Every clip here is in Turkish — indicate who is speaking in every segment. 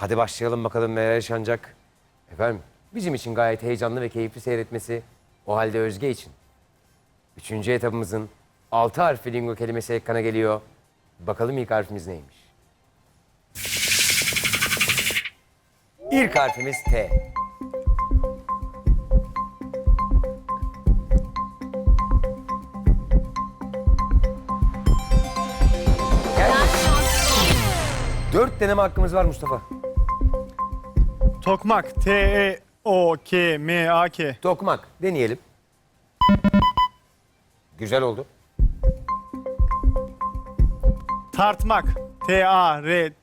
Speaker 1: Hadi başlayalım bakalım neler yaşanacak. Efendim bizim için gayet heyecanlı ve keyifli seyretmesi. O halde Özge için. Üçüncü etabımızın 6 harfli lingo kelimesi ekrana geliyor. Bakalım ilk harfimiz neymiş? İlk harfimiz T. Gel. 4 deneme hakkımız var Mustafa.
Speaker 2: Tokmak. T-E-O-K-M-A-K.
Speaker 1: Tokmak deneyelim. Güzel oldu.
Speaker 2: Tartmak. T-A-R.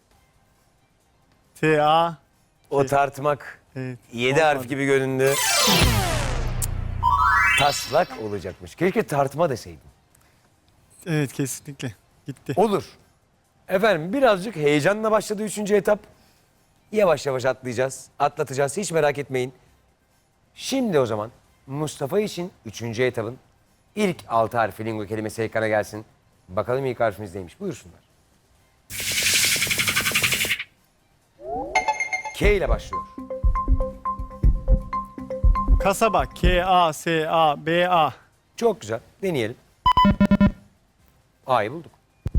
Speaker 2: T-A.
Speaker 1: O tartmak
Speaker 2: Evet.
Speaker 1: 7 harf
Speaker 2: olmadı.
Speaker 1: gibi göründü. Taslak olacakmış. Keşke tartma deseydim.
Speaker 2: Evet, kesinlikle. Gitti.
Speaker 1: Olur. Efendim birazcık heyecanla başladı 3. etap. Yavaş yavaş atlatacağız. Hiç merak etmeyin. Şimdi o zaman Mustafa için 3. etapın ilk 6 harfi lingo kelimesi ekrana gelsin. Bakalım ilk harfimiz neymiş? Buyursunlar. K ile başlıyor.
Speaker 2: Kasaba. K-A-S-A-B-A.
Speaker 1: Çok güzel. Deneyelim. A'yı bulduk.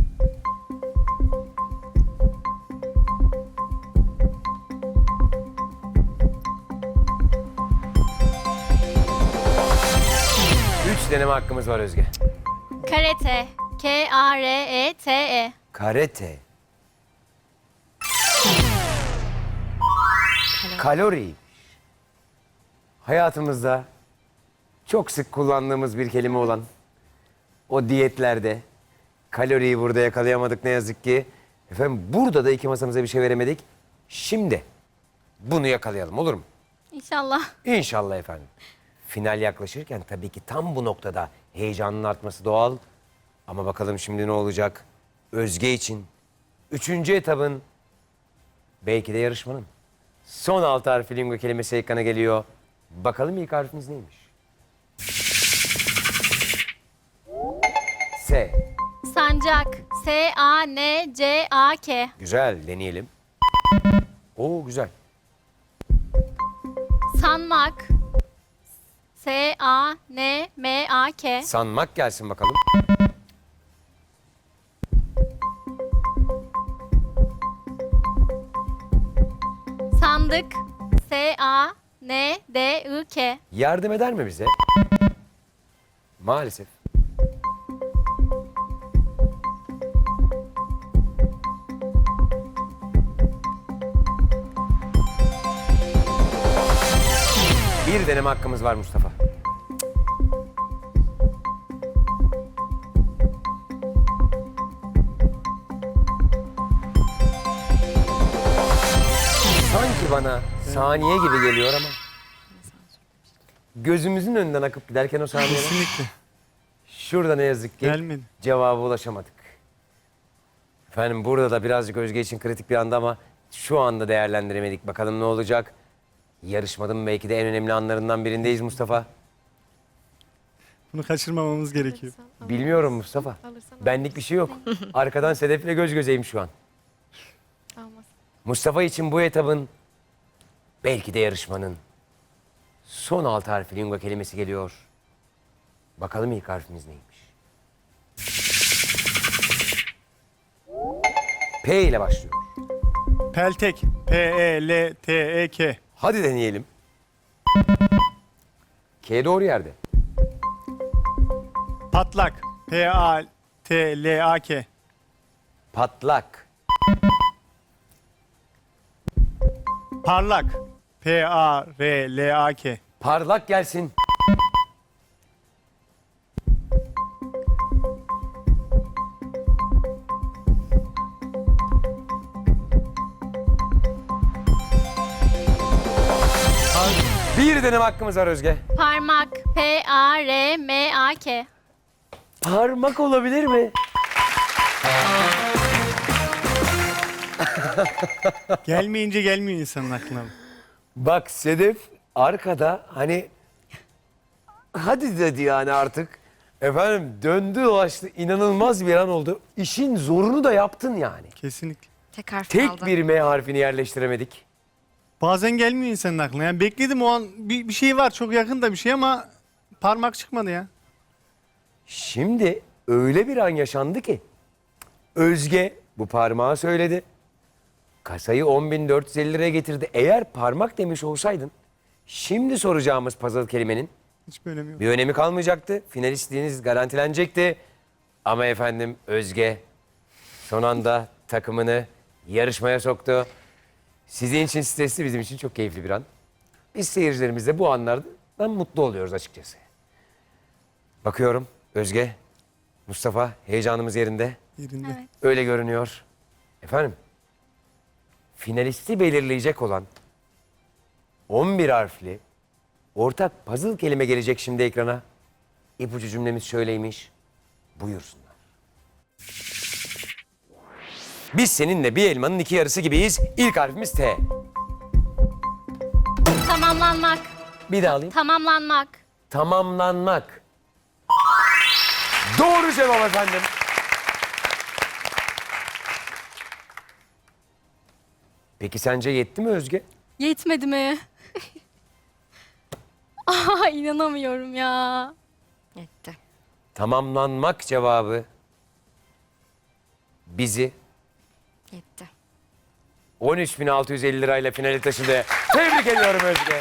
Speaker 1: Üç deneme hakkımız var Özge.
Speaker 3: Karate. K-A-R-E-T-E.
Speaker 1: Karate. Kalori. Hayatımızda çok sık kullandığımız bir kelime olan o diyetlerde kaloriyi burada yakalayamadık ne yazık ki. Efendim burada da iki masamıza bir şey veremedik. Şimdi bunu yakalayalım olur mu?
Speaker 3: İnşallah.
Speaker 1: İnşallah efendim. Final yaklaşırken tabii ki tam bu noktada heyecanın artması doğal. Ama bakalım şimdi ne olacak? Özge için 3. etabın belki de yarışmanın son 6 harfli lingo kelimesi ekrana geliyor. Bakalım ilk harfimiz neymiş? S.
Speaker 3: Sancak. S-A-N-C-A-K.
Speaker 1: Güzel deneyelim. Oo güzel.
Speaker 3: Sanmak. S-A-N-M-A-K.
Speaker 1: Sanmak gelsin bakalım.
Speaker 3: Sandık. S-A-N-D-I-K.
Speaker 1: Yardım eder mi bize? Maalesef. Bir deneme hakkımız var Mustafa. Sanki bana saniye gibi geliyor ama gözümüzün önünden akıp giderken o saniyeler
Speaker 2: Kesinlikle.
Speaker 1: şurada ne yazık ki
Speaker 2: Gelmedi.
Speaker 1: cevaba ulaşamadık. Efendim burada da birazcık Özge için kritik bir anda ama şu anda değerlendiremedik. Bakalım ne olacak? Yarışmanın belki de en önemli anlarından birindeyiz Mustafa.
Speaker 2: Bunu kaçırmamamız gerekiyor.
Speaker 1: Bilmiyorum Mustafa. Benlik bir şey yok. Arkadan Sedef'le göz gözeyim şu an. Mustafa için bu etabın belki de yarışmanın son 6 harfli lingo kelimesi geliyor. Bakalım ilk harfimiz neymiş? P ile başlıyor.
Speaker 2: Peltek. P-E-L-T-E-K.
Speaker 1: Hadi deneyelim. K doğru yerde.
Speaker 2: Patlak. P-A-T-L-A-K.
Speaker 1: Patlak.
Speaker 2: Parlak. P-A-R-L-A-K.
Speaker 1: Parlak gelsin. Bir deneme hakkımız var Özge.
Speaker 3: Parmak. P-A-R-M-A-K.
Speaker 1: Parmak olabilir mi?
Speaker 2: Gelmeyince gelmiyor insanın aklına.
Speaker 1: Bak Sedef arkada hani hadi dedi yani artık. Efendim döndü dolaştı inanılmaz bir an oldu. İşin zorunu da yaptın yani.
Speaker 2: Kesinlikle.
Speaker 4: Tek harf
Speaker 1: Tek
Speaker 4: kaldı.
Speaker 1: bir M harfini yerleştiremedik.
Speaker 2: Bazen gelmiyor insanın aklına. Yani bekledim o an bir şey var çok yakında bir şey ama parmak çıkmadı ya.
Speaker 1: Şimdi öyle bir an yaşandı ki Özge bu parmağı söyledi. Kasayı 10.450 liraya getirdi. Eğer parmak demiş olsaydın şimdi soracağımız puzzle kelimenin
Speaker 2: Hiçbir önemi yok.
Speaker 1: bir önemi kalmayacaktı. Finalistliğiniz garantilenecekti. Ama efendim Özge son anda takımını yarışmaya soktu. Sizin için stresli, bizim için çok keyifli bir an. Biz seyircilerimiz de bu anlardan mutlu oluyoruz açıkçası. Bakıyorum Özge, Mustafa heyecanımız yerinde.
Speaker 2: Yerinde.
Speaker 3: Evet.
Speaker 1: Öyle görünüyor. Efendim, finalisti belirleyecek olan 11 harfli ortak puzzle kelime gelecek şimdi ekrana. İpucu cümlemiz şöyleymiş. Buyursunlar. Biz seninle bir elmanın iki yarısı gibiyiz. İlk harfimiz T.
Speaker 3: Tamamlanmak.
Speaker 1: Bir daha alayım.
Speaker 3: Tamamlanmak.
Speaker 1: Tamamlanmak. Doğru cevap efendim. Peki sence yetti mi Özge?
Speaker 3: Yetmedi mi? Aa, inanamıyorum ya.
Speaker 4: Yetti.
Speaker 1: Tamamlanmak cevabı bizi
Speaker 4: Yetti.
Speaker 1: 13.650 lirayla finale taşıdı. Tebrik ediyorum Özge.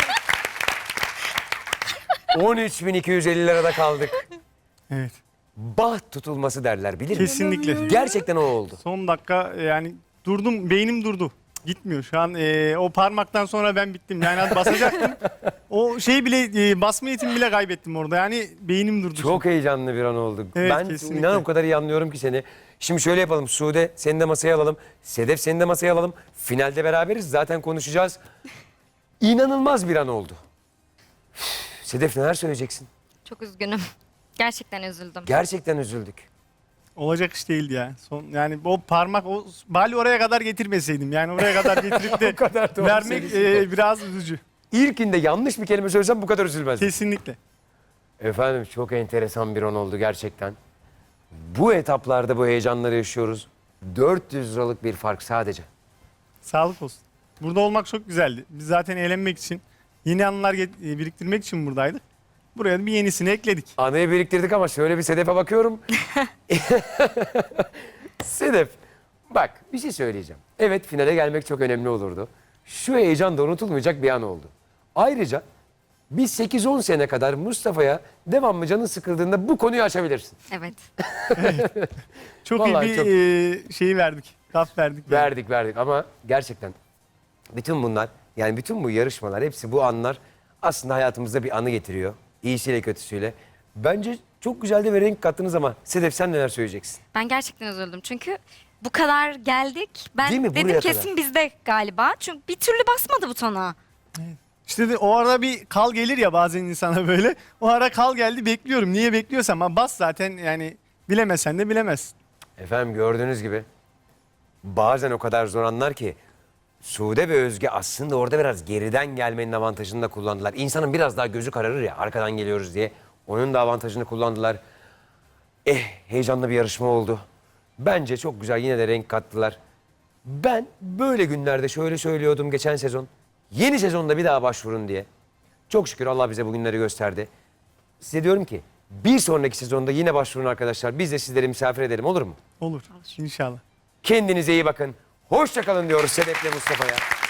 Speaker 1: 13.250 lirada kaldık.
Speaker 2: Evet.
Speaker 1: Baht tutulması derler bilir misin?
Speaker 2: Kesinlikle.
Speaker 1: Gerçekten o oldu.
Speaker 2: Son dakika yani durdum, beynim durdu. Gitmiyor şu an. O parmaktan sonra ben bittim. Yani az basacaktım. O şey bile basma yetimi bile kaybettim orada. Yani beynim durdu.
Speaker 1: Çok heyecanlı bir an oldu.
Speaker 2: Evet,
Speaker 1: Ben
Speaker 2: kesinlikle.
Speaker 1: inan o kadar iyi anlıyorum ki seni. Şimdi şöyle yapalım. Sude seni de masaya alalım. Sedef seni de masaya alalım. Finalde beraberiz. Zaten konuşacağız. İnanılmaz bir an oldu. Sedef neler söyleyeceksin?
Speaker 4: Çok üzgünüm. Gerçekten üzüldüm.
Speaker 1: Gerçekten üzüldük.
Speaker 2: Olacak iş değildi ya. Yani o parmak, o bali oraya kadar getirmeseydim. Yani oraya kadar getirip de
Speaker 1: O kadar doğru
Speaker 2: vermek
Speaker 1: söylüyorsun.
Speaker 2: biraz üzücü.
Speaker 1: İlkinde yanlış bir kelime söylesem bu kadar üzülmezdim.
Speaker 2: Kesinlikle.
Speaker 1: Efendim çok enteresan bir an oldu gerçekten. Bu etaplarda bu heyecanları yaşıyoruz. 400 liralık bir fark sadece.
Speaker 2: Sağlık olsun. Burada olmak çok güzeldi. Biz zaten eğlenmek için, yeni anılar biriktirmek için buradaydık. Buraya da bir yenisini ekledik.
Speaker 1: Anıyı biriktirdik ama şöyle bir Sedef'e bakıyorum. Sedef, bak bir şey söyleyeceğim. Evet finale gelmek çok önemli olurdu. Şu heyecan da unutulmayacak bir an oldu. Ayrıca biz 8-10 sene kadar Mustafa'ya devamlı canın sıkıldığında bu konuyu açabilirsin.
Speaker 4: Evet.
Speaker 2: Çok
Speaker 1: Vallahi
Speaker 2: iyi bir
Speaker 1: çok-
Speaker 2: şey verdik. Kaf verdik.
Speaker 1: Verdik ama gerçekten bütün bunlar yani bütün bu yarışmalar hepsi bu anlar aslında hayatımızda bir anı getiriyor. İyisiyle kötüsüyle. Bence çok güzel de bir renk kattınız ama Sedef sen neler söyleyeceksin?
Speaker 4: Ben gerçekten üzüldüm. Çünkü bu kadar geldik. Ben
Speaker 1: Değil mi?
Speaker 4: dedim
Speaker 1: Buraya
Speaker 4: kesin
Speaker 1: kadar.
Speaker 4: bizde galiba. Çünkü bir türlü basmadı butona.
Speaker 2: İşte de o arada bir kal gelir ya bazen insana böyle. O ara kal geldi bekliyorum. Niye bekliyorsam ama bas zaten yani bilemesen de bilemezsin.
Speaker 1: Efendim gördüğünüz gibi bazen o kadar zor anlar ki Sude ve Özge aslında orada biraz geriden gelmenin avantajını da kullandılar. İnsanın biraz daha gözü kararır ya arkadan geliyoruz diye. Onun da avantajını kullandılar. Heyecanlı bir yarışma oldu. Bence çok güzel yine de renk kattılar. Ben böyle günlerde şöyle söylüyordum geçen sezon. Yeni sezonda bir daha başvurun diye. Çok şükür Allah bize bu günleri gösterdi. Size diyorum ki bir sonraki sezonda yine başvurun arkadaşlar. Biz de sizleri misafir edelim olur mu?
Speaker 2: Olur. İnşallah.
Speaker 1: Kendinize iyi bakın. Hoşça kalın diyoruz Sedef'le Mustafa'ya.